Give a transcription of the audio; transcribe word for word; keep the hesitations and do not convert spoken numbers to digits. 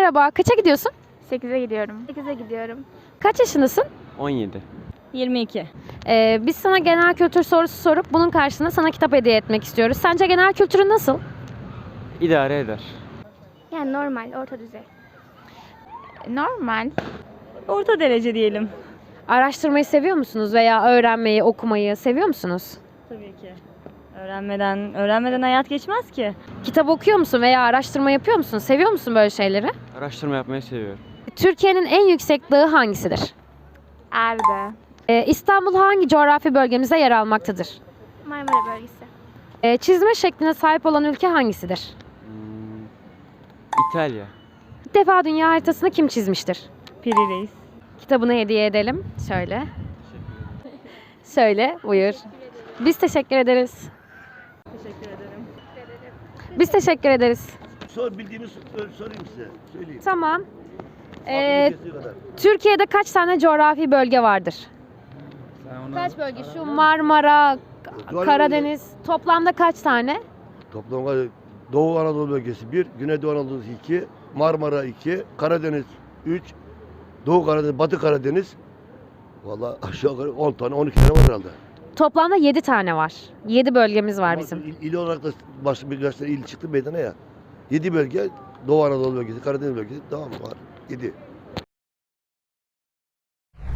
Merhaba, kaça gidiyorsun? sekize gidiyorum. sekize gidiyorum. Kaç yaşındasın? on yedi. yirmi iki. Ee, biz sana genel kültür sorusu sorup bunun karşılığında sana kitap hediye etmek istiyoruz. Sence genel kültürün nasıl? İdare eder. Yani normal, orta düzey. Normal. Orta derece diyelim. Araştırmayı seviyor musunuz veya öğrenmeyi, okumayı seviyor musunuz? Tabii ki. Öğrenmeden, öğrenmeden hayat geçmez ki. Kitap okuyor musun veya araştırma yapıyor musun? Seviyor musun böyle şeyleri? Araştırma yapmayı seviyorum. Türkiye'nin en yüksek dağı hangisidir? Erbe. Ee, İstanbul hangi coğrafi bölgemizde yer almaktadır? Marmara bölgesi. Ee, çizme şekline sahip olan ülke hangisidir? Hmm, İtalya. İlk defa dünya haritasını kim çizmiştir? Piri Reis. Kitabını hediye edelim. Şöyle. Şöyle, buyur. Biz teşekkür ederiz. Teşekkür ederim. Biz teşekkür ederiz. Sor bildiğini sor- sorayım size. Söyleyeyim. Tamam. Ee, Ee, Türkiye'de kaç tane coğrafi bölge vardır? onu... Kaç bölge? Şu Marmara, Doğru Karadeniz. Toplamda kaç tane? Toplam var- Doğu Anadolu bölgesi bir, Güneydoğu Anadolu iki, Marmara iki, Karadeniz üç, Doğu Karadeniz, Batı Karadeniz. Vallahi aşağı yukarı on tane, on iki tane var herhalde. Toplamda yedi tane var. yedi bölgemiz var Ama bizim. Il, il olarak da başka birkaç tane il çıktı meydana ya. Yedi bölge, Doğu Anadolu bölgesi, Karadeniz bölgesi, tamam mı var? Yedi.